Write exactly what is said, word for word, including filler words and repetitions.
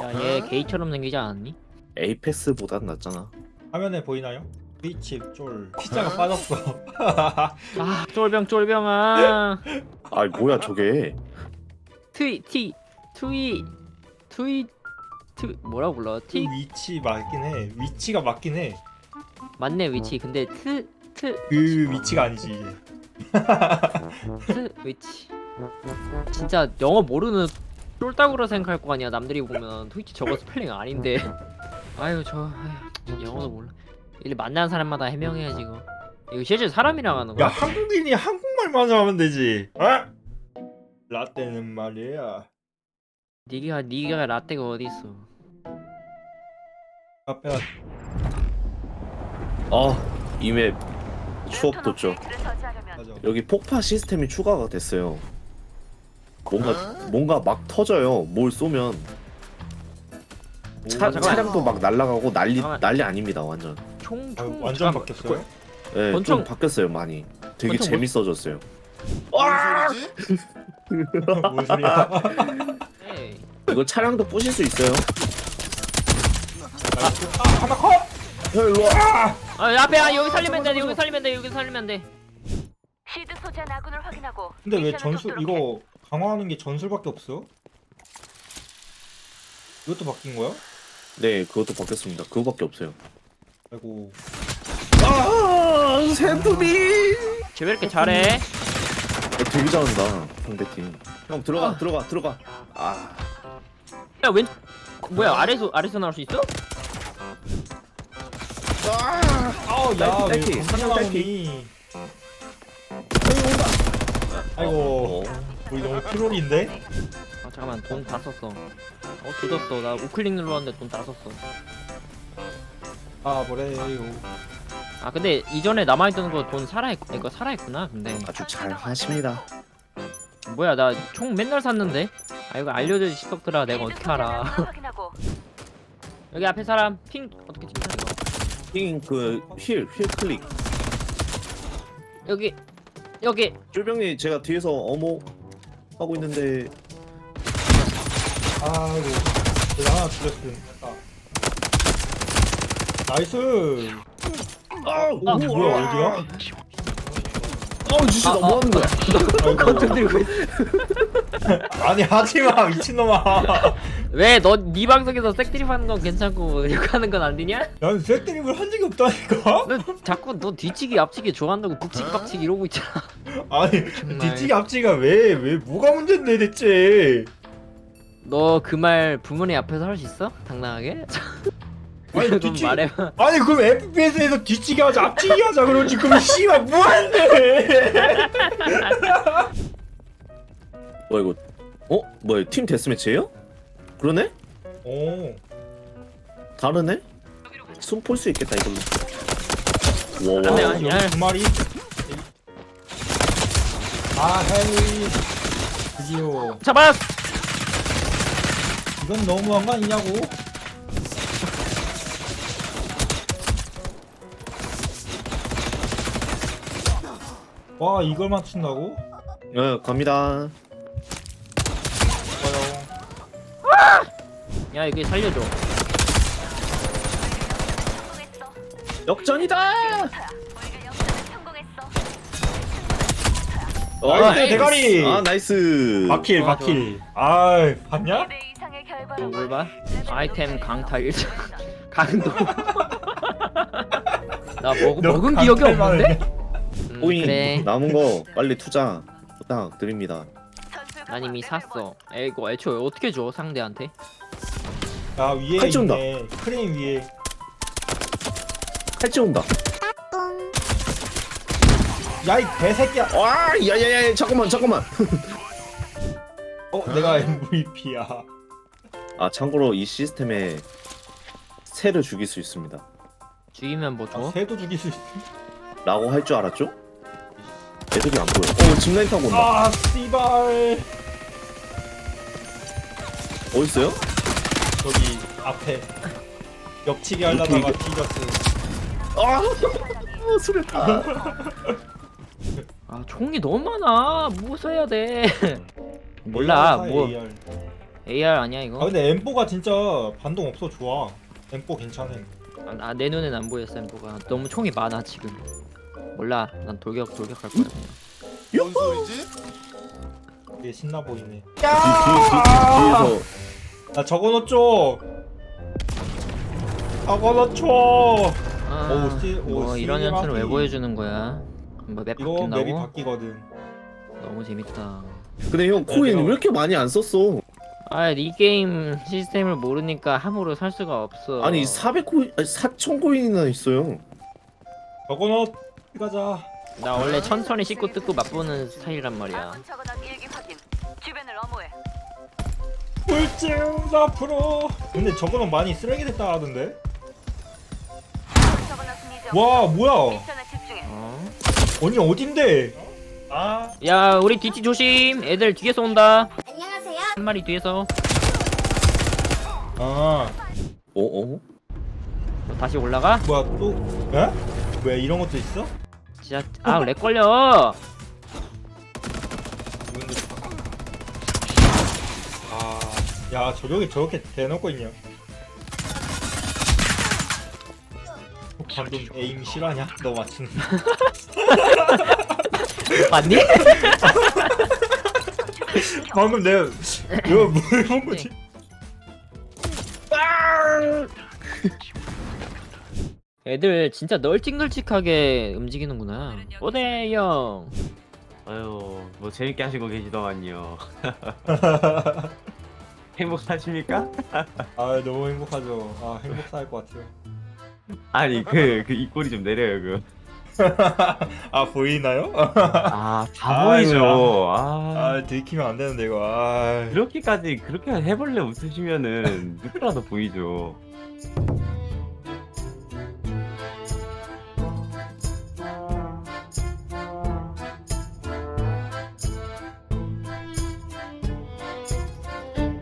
야, 얘 게이처럼 생기지 않았니? 에이펙스보단 낫잖아. 화면에 보이나요? 트위치 쫄 피자가 빠졌어. 아, 쫄병 쫄병아. 아 뭐야 저게? 트위 티 트위 트위 트 뭐라고 불러? 그 티 위치 맞긴 해. 위치가 맞긴 해. 맞네 위치. 근데 트 트 그 위치가 아니지 이게. 트 위치. 진짜 영어 모르는 쫄따구라 생각할 거 아니야. 남들이 보면 트위치 저거 스펠링 아닌데. 아유 저 아유, 영어도 몰라. 일 만나는 사람마다 해명해야지 이거. 이거 실제 사람이랑 하는 야 거야? 한국인이 한국말만 하면 되지. 어? 라떼는 말이야. 니가 니가 라떼가 어디 있어? 카페가 아이맵 추억 돋죠. 맞아. 여기 폭파 시스템이 추가가 됐어요. 뭔가 뭔가 막 터져요. 뭘 쏘면 차, 잠깐만. 차량도 막 날아가고 난리 잠깐만. 난리 아닙니다 완전. 아, 총총 완전 바뀌었어요. 예, 권총- 좀 바뀌었어요 많이. 되게 권총 재밌어졌어요. 뭔 소리야? 에이. 이거 차량도 부실 수 있어요. 아 하나 컷. 야 일로 와. 아 앞에 아 여기 살리면 돼 여기 살리면 돼 여기 살리면 돼. 시드 소재한 아군을 확인하고 근데 왜 미션을 전술 돕도록 해. 이거 강화하는 게 전술밖에 없어? 이것도 바뀐 거야? 네 그것도 바뀌었습니다. 그거밖에 없어요. 아이고. 아 샌드비. 쟤 왜 이렇게 잘해? 어, 되게 잘한다 상대팀. 형 들어가 들어가 들어가. 아 야 왼 뭐야 아래서 아래서 나올 수 있어? 아우 야왜 딸피, 딸피. 건너 나오니? 아이고 우리 너무 트롤인데? 아 잠깐만 돈 다 썼어. 어 조졌어. 나 우클릭 눌렀는데 돈 다 썼어. 아 뭐래요? 아 근데 이전에 남아있던 거 돈 살아있 이거 살아있구나. 근데 아주 잘 하십니다. 뭐야 나 총 맨날 샀는데. 아 이거 알려줘 시석들아 내가 시드 어떻게 소재한 알아? 아군을 확인하고 여기 앞에 사람 핑 어떻게 찍냐 이거? 핑그휠휠 클릭. 여기 여기 쫄병이 제가 뒤에서 어머 하고 있는데 아이고 내가 하나 죽였음. 아. 나이스. 아우 어, 뭐야 어디야? 아우 주씨 너 뭐 하는 거야? 건투 들고 있어. 아니 하지마 미친놈아. 왜너네 방송에서 색드립 하는 건 괜찮고 이렇게 하는 건 안 되냐? 난 색드립을 한 적이 없다니까. 너 자꾸 너 뒤치기 앞치기 좋아한다고 북치기 빡치기 이러고 있잖아. 아니 정말. 뒤치기 앞치기가 왜 왜 뭐가 문제인데 대체? 너 그 말 부모님 앞에서 할 수 있어? 당당하게? 아니, 좀 뒤치- 말해봐. 아니 그럼 에프피에스에서 뒤치기 하자 앞치기 하자 그러지 그럼 씨발 뭐하는데? 뭐 이거 어 뭐야 팀 데스매치예요? 그러네? 오. 다르네? 숨 풀 수 있겠다 이걸로. 안 돼, 와와. 아니, 여기 두 마리. 아 헤이. 드디어. 잡았! 이건 너무한 거 아니냐고? 와 이걸 맞춘다고? 네 갑니다. 좋아요. 야 이게 살려줘. 성공했어. 역전이다. 우리가 역전에 성공했어. 나이스, 에이, 대가리! 아 나이스. 바킬 좋아, 바킬. 아이 봤냐? 이 대 이상의 결과로 뭘 봐? 레벨 아이템 높여서 강타 일 점 강도. 나 먹, 너 먹은 기억이 강탈만 없는데? 해. 음, 꼬잉 그래. 남은 거 빨리 투자 부탁드립니다. 전술 난 이미 강화 샀어. 에 이거 애초에 어떻게 줘 상대한테? 야 위에 칼 쏜다. 있네. 크레인 위에. 칼찌 온다. 야 이 개새끼야. 와 야야야 잠깐만 잠깐만. 어 내가 엠브이피야. 아 참고로 이 시스템에 새를 죽일 수 있습니다. 죽이면 뭐 아, 줘? 새도 죽일 수 있어. 라고 할 줄 알았죠? 애들이 안 보여. 어 짚라인 타고 온다. 아 씨발. 어딨어요? 저기 앞에 옆치기 하려다가 이렇게, 뒤졌어. 아 수류탄. 아 총이 너무 많아. 뭐 써야 돼? 몰라. 뭐 에이알. 에이알 아니야 이거? 아 근데 엠포가 진짜 반동 없어 좋아. 엠포 괜찮은. 아, 내 눈엔 안 보여 샘보가. 너무 총이 많아 지금. 몰라. 난 돌격 돌격할 거야. 그냥. 뭔 소리지? 되게 신나 보이네. 뒤, 뒤, 뒤, 뒤에서 나 저거 넣죠. 저거 넣죠. 아, 오, 시- 오, 뭐 이런 시계바퀴. 연출을 왜 보여주는 거야? 뭐맵 이거 바뀐다고? 맵이 바뀌거든. 너무 재밌다. 근데 형 코인 내가- 왜 이렇게 많이 안 썼어? 아, 이 게임 시스템을 모르니까 함부로 살 수가 없어. 아니 사백 코인 아니 사천 코인이나 있어요. 저거 넣. 가자. 나 원래 천천히 씻고 뜯고 맛보는 스타일이란 말이야. 아군 적어놓은 일기 확인. 주변을 엄호해. 꿀잼 앞으로. 근데 저거는 많이 쓰레기 됐다 하던데. 적어놨은 이제 와 뭐야? 미션에 집중해. 어? 언니 어딘데? 아 야, 우리 뒤치 조심. 애들 뒤에서 온다. 안녕하세요. 한 마리 뒤에서. 아 어 어? 너 다시 올라가? 뭐야 또? 에? 왜 이런 것도 있어? 진짜 아, 렉 걸려. 이분들 아, 야 저격이 저렇게 대놓고 있냐? 어, 방금 에임 실화냐? 너 맞추는. 맞니? 방금 내가 이거 뭘본 거지? 애들 진짜 널찍널찍하게 움직이는구나. 오대 형. 아유, 뭐 재밌게 하시고 계시더만요. 행복하십니까? 아 너무 행복하죠. 아 행복할 것 같아요. 아니 그 그 입꼬리 좀 내려요 그. 아 보이나요? 아, 다 아이고야. 보이죠. 아, 아 들키면 안 되는데 이거. 아. 그렇게까지 그렇게 해벌레 웃으시면은 누구라도 보이죠.